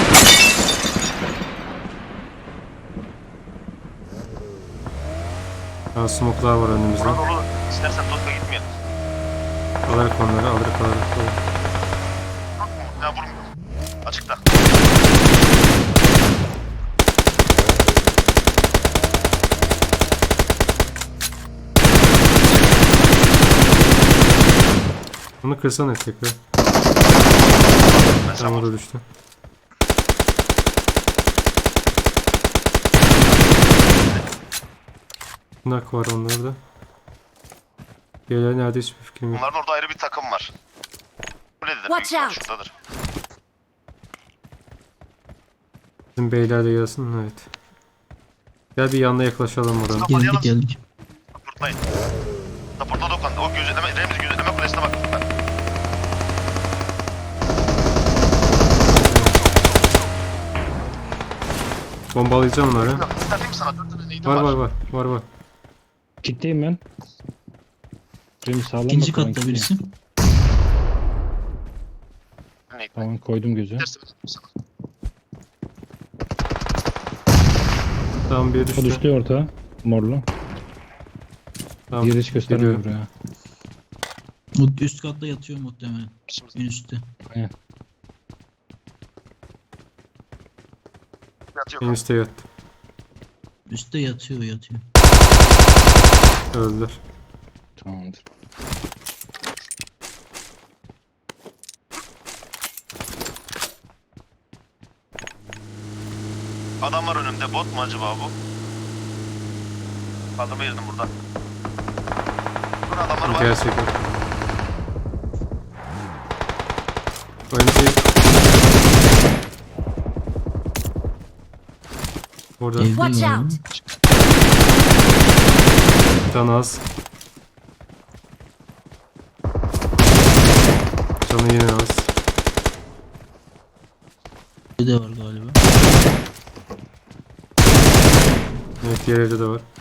Ya smoke'lar var önümüzde. Buna dolu. İstersen Toska gitmeyelim. Alırık onları, alırık. Ya vurmuyor. Açıkta. Bunu kırsana tekrar. Ben sen Tam vur. orada düştü. Nak var onlarda. Diğerleri nerede hiçbir fikrim yok. Bunların orada ayrı bir takım var. Kulededir. Büyük Watch ihtimal out. şuradadır. Bizim beyler de gelsin, evet. Gel bir yanına yaklaşalım oranın. Geldik geldik. Kurtlayın. Raporda dokan. O gözetleme, Remzi gözetleme kulesine bak. Bombalayacağım onları. İsterdim sana 4 tane neydim var. Var. Kitleyim ben. Benim sağlam İkinci bakalım katta kitleyim. birisi. Neydim. Tamam koydum gözü. İstersen sana. Tamam bir O düştü. düştü orta. Morlu. Tamam. Diğeri hiç göstermiyor Geliyorum. buraya. O üst katta yatıyor muhtemelen. En üstte. Aynen. Yatıyor. En üstte yattı. Üstte yatıyor. Öldüler. Tamamdır. Adam var önümde. Bot mu acaba bu? Kaldırma girdim burada. Burada adamlar var. Gerçekten. Önce burada Evde Watch galiba. out! can az. Canı yine az. Evde var galiba. Evet, diğer evde de var.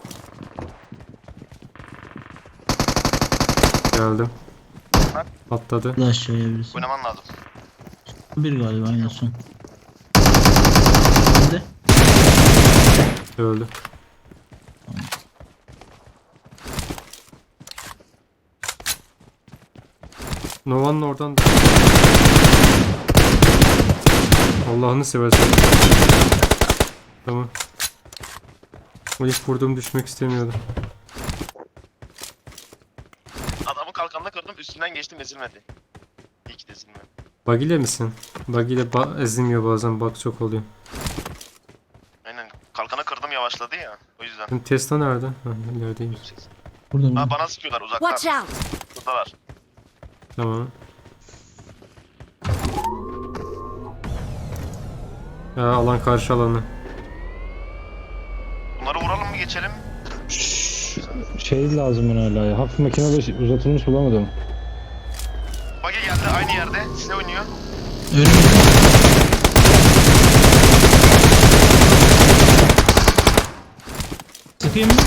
Geldim. Atladı. Bir de aşağıya birisi. Oynaman lazım. Bir galiba en son. Evde. Öldü. Nova'nın oradan da... Allah'ını seversen. Tamam. O ilk vurduğum düşmek istemiyordum. Adamın kalkanını kırdım. Üstünden geçtim ezilmedi. İyi ki de ezilmedi. Bug ile misin? Bug ile ezilmiyor bazen, bug çok oluyor. Aynen. Kalkanı kırdım yavaşladı ya. O yüzden. Şimdi Tesla nerede? Ha, ilerideymiş. Burada. Ha bana sıkıyorlar uzaktan. Watch out! Buradalar. Tamam. Ya alan karşı alanı. Bunları vuralım mı geçelim? Şey lazım bana hala ya. Hafif makinede uzatılmış bulamadım. Bagi geldi aynı yerde. Size oynuyor. Öyle mi? Sıkayım mı?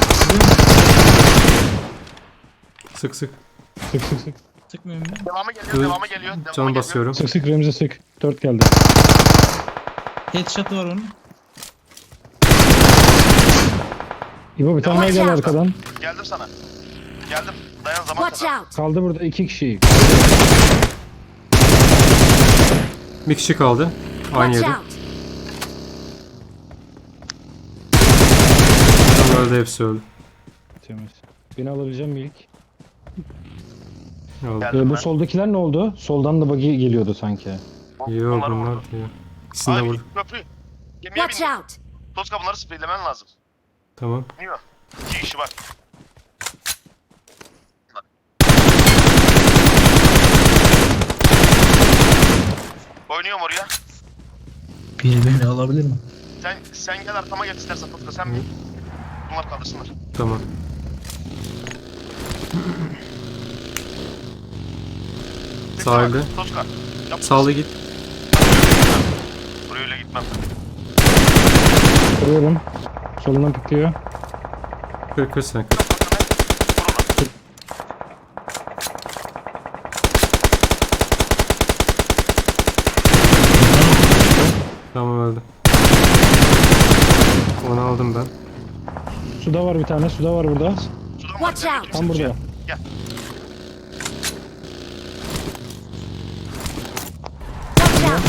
Sık. Sık. Sıkmıyorum mu? Devamı geliyor. Dur, Devamı geliyor. Devamı Can geliyor. basıyorum. Sık Remzi sık. 4 geldi. Headshot'ı var onun. İbo bir tane daha Watch gel out. arkadan. Geldim sana. Geldim. Dayan zaman Watch kadar. out! Kaldı burada 2 kişi. Bir kişi kaldı. Aynı Watch yerde. out! Tam öldü, hepsi öldü. Temiz. Beni alabileceğim mi ilk? Aldı. Geldim Bu ben. soldakiler ne oldu? Soldan da buggy geliyordu sanki. Yok Bunları bunlar vurdu. diyor. İkisini de Abi vurdu. köprü. Gemiye Watch bin. out! Toska bunları spreylemen lazım. Tamam. Biniyor. 2 kişi bak. Oynuyorum oraya. Biri beni alabilir mi? Sen gel arkama geç istersen Toska sen bin. Bunlar kaldırsınlar. Tamam. Sahilde. Toska. Yap. Sağlı git. Buraya öyle gitmem. Kırıyorum. Solundan pikliyor. Kır sen kır. Tamam öldü. Onu aldım ben. Suda var bir tane. Suda var burada. Sudan var. Watch out. Tam burada. Gel. Watch out!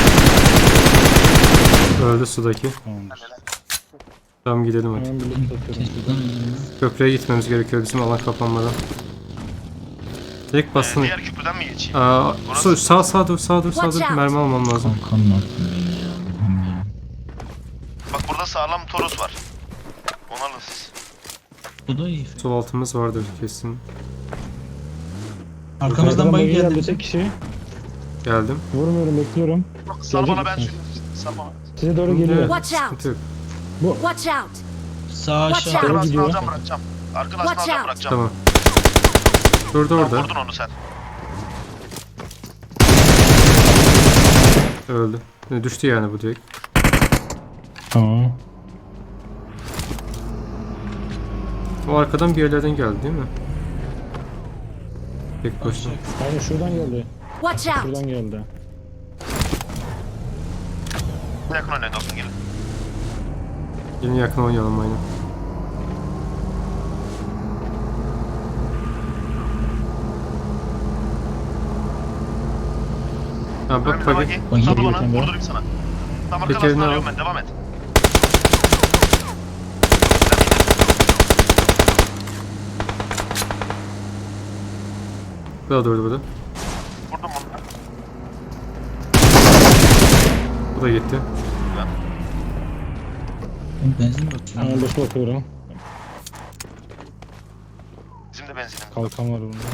Öldü sudaki. Tamamdır. Helal. Tamam gidelim hadi. Hemen birlikte atıyorum. Teşvikten öldüm. Köprüye gitmemiz gerekiyor bizim alan kapanmadan. Direkt bastın. Diğer köprüden mi geçeyim? Sağ dur sağ dur. Watch out. Mermi almam lazım. Kankam ne yaptın beni ya? Allah'ım ya. Bak burada sağlam Toros var. Onu alın siz. Bu da iyi. Sol altımız vardır kesin. Arkamızdan bayı geldi. geldi. Tek kişi. Geldim. Vurmuyorum, bekliyorum. Sal bana ben misin? sürüyorum. Sal bana. Size doğru geliyor. Watch out! Sıkıntı yok. Watch out! Sağ Watch aşağı. out. Doğru Arkadaşını gidiyor. alacağım bırakacağım. Arkadaşını Watch alacağım out. bırakacağım. Tamam. Durdu Tamam, orada. vurdun onu sen. Öldü. Düştü yani bu direkt. Tamam. O arkadan bir yerlerden geldi değil mi? Tek başına. Aynen şuradan geldi. Watch out! Şuradan geldi. Yakın oynayın dostum gelin. Yine yakın oynayalım aynen. Ha bak Önümüze bak. bakayım. Bagi Sal geliyor bana sende. vurdurayım sana. Tam Tekerini arkadaşını al. alıyorum ben devam et. Bu da durdu burada. Vurdum bunu. Bu da gitti. Benzin bakıyorum. Hemen boş bakıyorum. Bizim de benzinim. Kalkan var bunda.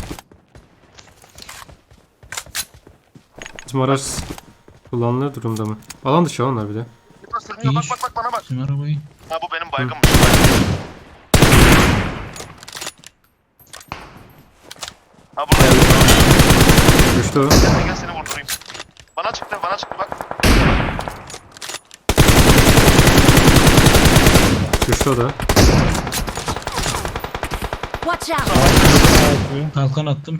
Bizim araç kullanılır durumda mı? Alan dışı onlar bir de. Burada sürünüyor bak İyi. bak bak bana bak. Tüm arabayı. Ha bu benim baygınmış. Ha burada. Düştü o. Gel seni vurdurayım. Bana çıktı bak. Düştü o da. Watch out! Kalkan attım.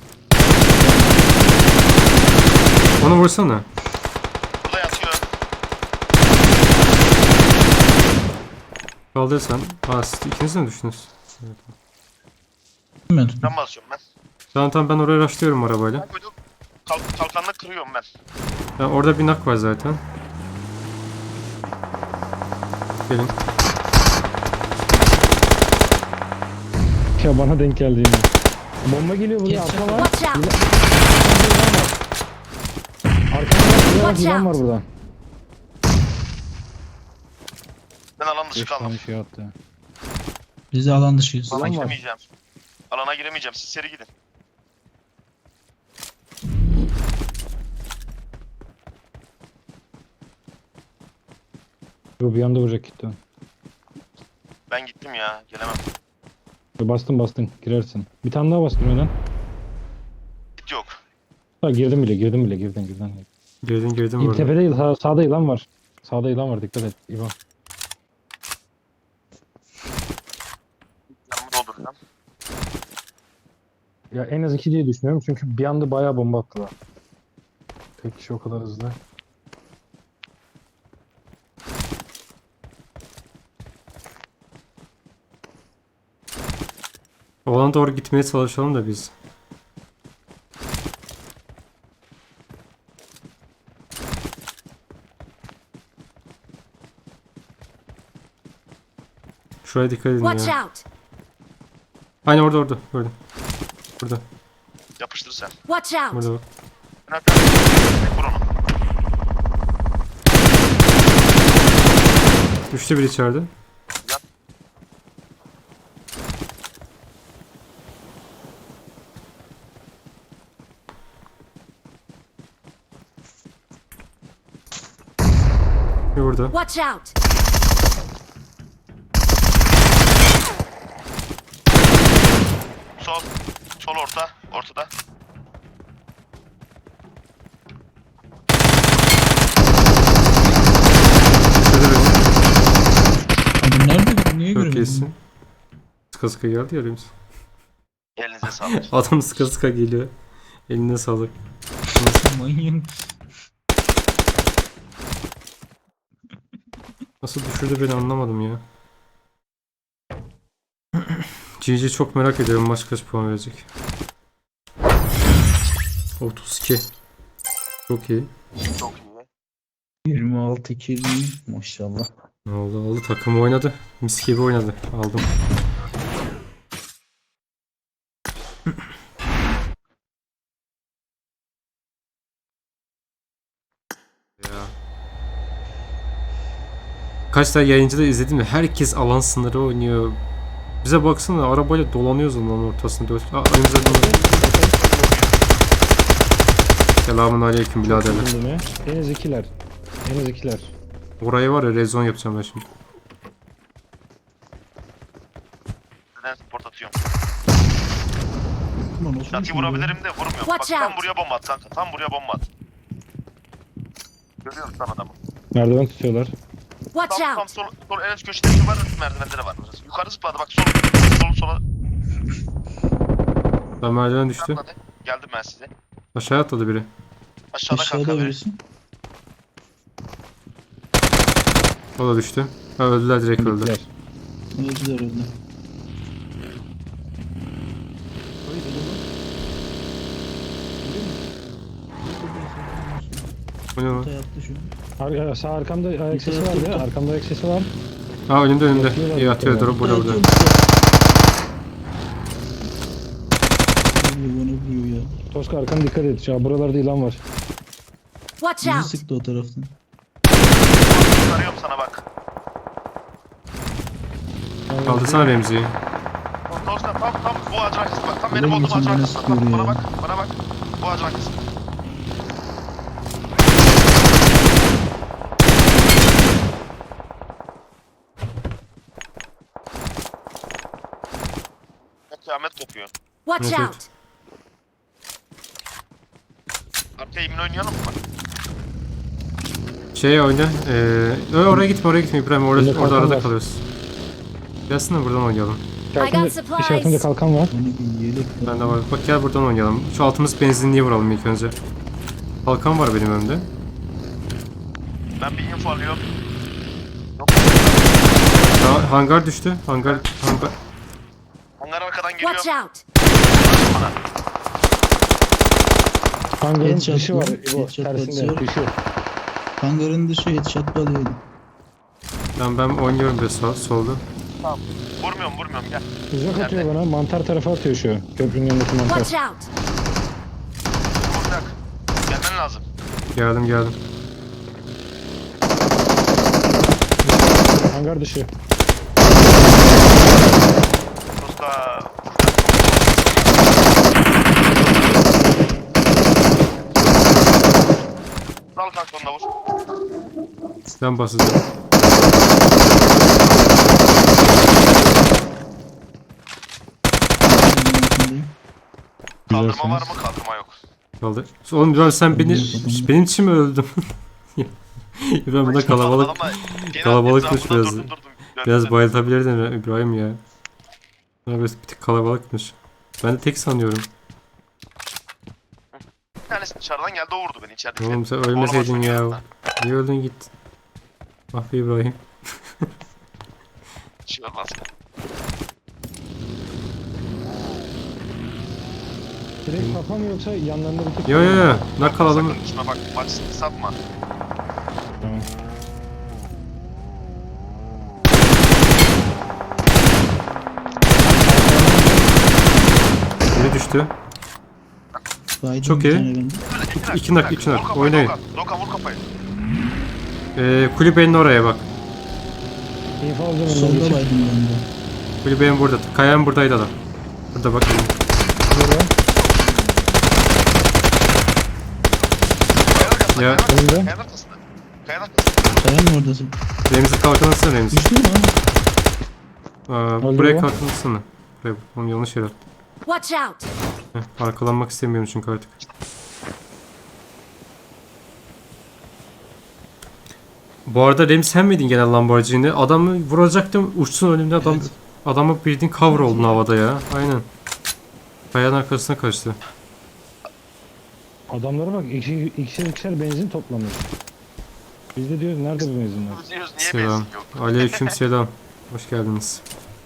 Onu vursana. Burada yatıyor. Kaldır sen. Aa siz ikiniz de mi düştünüz? Ben tuttum. Ben basıyorum ben. Tamam ben oraya rushlıyorum arabayla. Ben koydum. Kalkanla kırıyorum ben. Ya orada bir nak var zaten. Gelin. Ya bana denk geldi yine. Bomba geliyor buraya. Geçeceğim. Arka var. Watch out! Arkada var. Watch Yılan var out. burada. Ben alan dışı 5 kaldım. tane şey attı. Biz de alan dışıyız. Alana Alan var. giremeyeceğim. Alana giremeyeceğim. Siz seri gidin. Yo, bir anda vuracak gitti. Ben gittim ya. Gelemem. Bastın girersin. Bir tane daha bastım önden. Git yok. Ha, girdim bile girdin. Girdim İlk burada. tepede sağda yılan var. Sağda yılan var, dikkat et İvan. Yanımı dolduracağım. Ya en az 2 diye düşünüyorum çünkü bir anda bayağı bomba attılar. Tek kişi o kadar hızlı. Olana doğru gitmeye çalışalım da biz. Şuraya dikkat edin Watch ya. out! Aynen orada. Gördüm. Burada. Yapıştır sen. Watch out! Burada bak. Ben hatta vur onu. Düştü bir içeride. Bir burada. Watch out! Sol. Sol orta. Ortada. Şurada benim. Abi nerede? Niye Çok göremedim? iyisin. Sıka sıka geldi ya biz. Elinize sağlık. Adam sıka sıka geliyor. Eline sağlık. Manyak. Nasıl düşürdü beni anlamadım ya. GG çok merak ediyorum maç kaç puan verecek. 32. Çok iyi. Çok iyi. 26 kill maşallah. Ne oldu takım oynadı. Mis gibi oynadı. Aldım. Ya. Kaç tane yayıncıda izledim de herkes alan sınırı oynuyor. Bize baksana arabayla dolanıyoruz onun ortasında. Önümüze dönüyor. Selamun aleyküm biraderler. Şimdi mi? En az ikiler. En az ikiler. Orayı var ya rezon yapacağım ben şimdi. Neden support atıyorum. Ulan olsun Çatıyı ki ya. vurabilirim de vurmuyorum. Bak Watch tam out. buraya bomba at kanka. Tam buraya bomba at. Görüyorsun lan adamı. Merdiven tutuyorlar. Watch Tam out! sol en üst köşede bir var. Merdivende de var. Yukarı zıpladı bak sola. Ben merdiven düştü. Atladı. Geldim ben size. Aşağı atladı biri. Aşağıda Aşağıda kanka biri. birisi. O da düştü. Ha, öldüler direkt öldü. Bittiler. Öldüler öldü. O ne lan? Ortaya attı şu. Sağ arkamda ayak sesi var ya. Arkamda ayak sesi var. Ha önümde. Yatıyorlar İyi atıyor yukarıya. drop burada. Bana vuruyor ya. Toska arkana dikkat et. Ya buralarda ilan var. Watch Bizi out! sıktı o taraftan. Arıyorum sana bak. Kaldırsana Remzi'yi. Dostlar tam bu ağacın arkası bak. Tam Ulan benim olduğum geçen ağacın bana arkası. sıkıyor Bak, ya. bana bak. Bu ağacın arkası. Kıyamet kopuyor. Watch Evet, out! Arkaya yemin oynayalım mı? Şey oyna. Oraya gitme İbrahim. Orada Bunda kalkan arada var. kalıyoruz. Gelsin de buradan oynayalım. got İşaretinde supplies. kalkan var. Hani bir yelek var. Bende var. Bak gel buradan oynayalım. Şu altımız benzinliğe vuralım ilk önce. Kalkan var benim önümde. Ben bir info alıyorum. Yok. Ya, hangar düştü. Hangar. Onlar arkadan geliyor. Watch out! Bana. Hangarın Headshot dışı var. mı? İbo Headshot tersinde. basıyor. Dışı. Hangarın dışı headshot balıyordu. Ben oynuyorum bir solda. Vurmuyorum gel. Uzak atıyor bana. Mantar tarafa atıyor şu. Köprünün yanındaki mantar. Watch out! Vuracak. Gelmen lazım. Geldim. Hangar dışı. Dosta. Al kanka onu da vur. Silah basacağım. Kaldırma var mı? Kaldırma yok. Kaldı. Oğlum İbrahim sen benim için mi öldün? İbrahim burada kalabalıkmış biraz. Biraz bayıltabilirdin İbrahim ya. Biraz bir tık kalabalıkmış. Ben de tek sanıyorum. Bir tanesi dışarıdan geldi o vurdu beni içeride. Oğlum sen ölmeseydin ya. Niye öldün git. Ah be İbrahim. Şey olmaz. Direkt kafa mı yoksa yanlarında bir tık? Yo. Nakal adamı. Sakın düşme bak. Maç satma. Tamam. Biri düştü. Baydım Çok bir iyi. tane bende. İki nak. Oynayın. Doka vur kafayı. Kulübenin oraya bak. İnfo alacağım. Solda önüne baydım ben de. Kulübenin burada. Kayan buradaydı adam. Burada bak. Ya. Önünde. Kayanın arkasında. Kayanın arkasında. Kayan mı oradasın? Remzi kalkan atsana Remzi. Düştü mü lan? Buraya ya. kalkan atsana. Buraya. Oğlum yanlış yere attım. Watch out! Arkalanmak istemiyorum çünkü artık. Bu arada Remzi sen miydin gene Lamborghini? Adamı vuracaktım uçsun önümde adam. Evet. Adamı bildiğin cover oldun havada ya. Aynen. Kayanın arkasına kaçtı. Adamlara bak. İkişer benzin toplamış. Biz de diyoruz nerede bu benzinler? Biz diyoruz niye Selam. benzin yok? Aleyküm selam. Hoş geldiniz.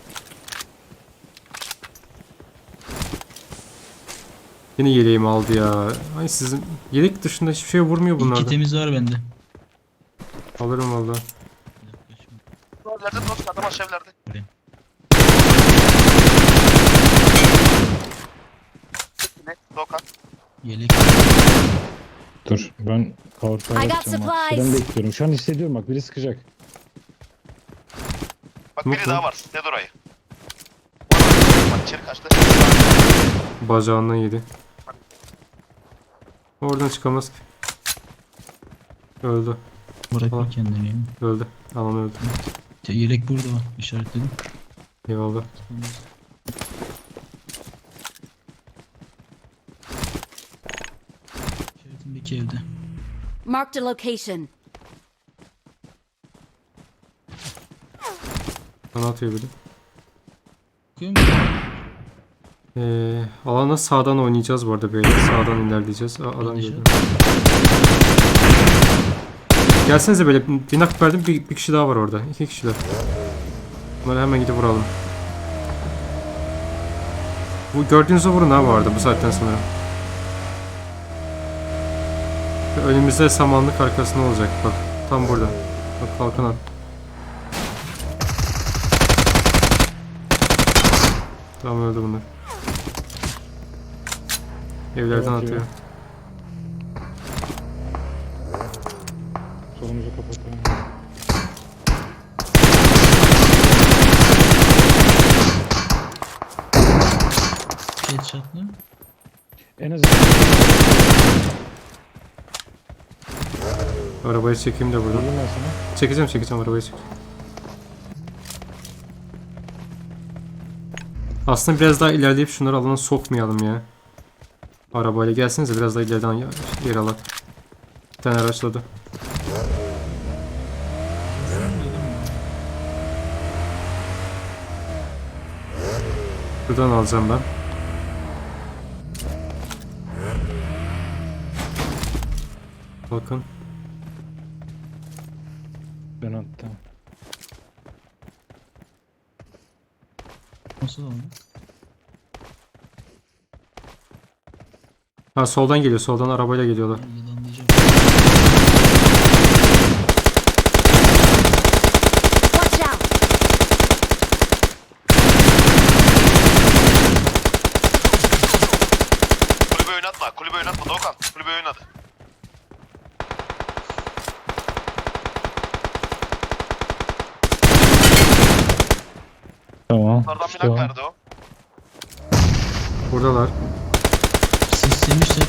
Yine yeleğimi aldı ya. Ay sizin yelek dışında hiçbir şey vurmuyor İki bunlarda. temiz var bende. Alırım valla. Evlerde dost adam aşağı evlerde. Ne? Dokan. Yelek. Dur ben power I got yapacağım bak. supplies. Şuradan bekliyorum. Şu an hissediyorum bak biri sıkacak. Bak Yok biri lan. daha var. Ne orayı? Bak içeri kaçtı. Bacağından yedi. Oradan çıkamaz ki. Öldü. Bırakma Tamam. kendini ya. Öldü. Alan öldü. Yelek burada işaretledim. Eyvallah. İşaretimdeki evde. Marked a location. Bana atıyor biri. Bakıyor musun? Alana sağdan oynayacağız bu arada böyle. Sağdan ilerleyeceğiz. Adam Yanlış geliyor. Gelsenize böyle bir nak verdim. Bir kişi daha var orada. 2 kişiler. Bunları hemen gidip vuralım. Bu gördüğünüzü vurun ha bu arada bu saatten sonra. Önümüzde samanlık arkasında olacak bak. Tam burada. Bak kalkan at. Tamam öldü bunlar. Evlerden Evet, atıyor. Solumuzu kapatalım. Headshot'lı. En azından Arabayı çekeyim de buradan. diyeyim ben sana. Çekeceğim arabayı çek. Aslında biraz daha ilerleyip şunları alana sokmayalım ya. Arabayla gelsenize biraz daha ileriden yer alak. Bir tane araçladı. Buradan alacağım ben. Bakın. Ben attım. Nasıl oldu? Ha soldan geliyor. Soldan arabayla geliyorlar. Yalanlayacağım. Watch out! Kulübe oynatma. Kulübe oynatma Dokan. Kulübe oynadı. Tamam. Onlardan bir işte nak o. verdi o. Buradalar. Sislemişler.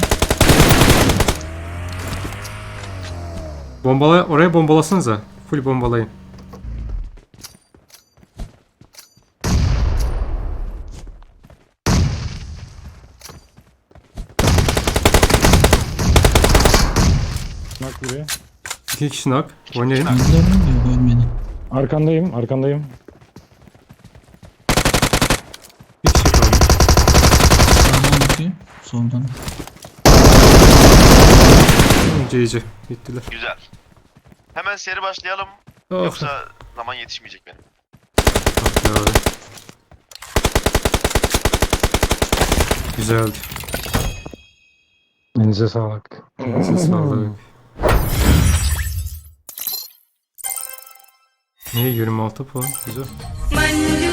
Oraya bombalasanıza. Full bombalayın. Bak biri. 2 kişi nak. Oynayın. Gördüler mi diyor görmedi. Arkandayım. Bir kişi kaldı. Sağdan bakıyor. Soldan. GG. Bittiler. Güzel. Hemen seri başlayalım. Of. Yoksa zaman yetişmeyecek benim. Ah ya. Güzeldi. Elinize sağlık. Siz sağlık. Ne 26 puan. Güzel. Monday.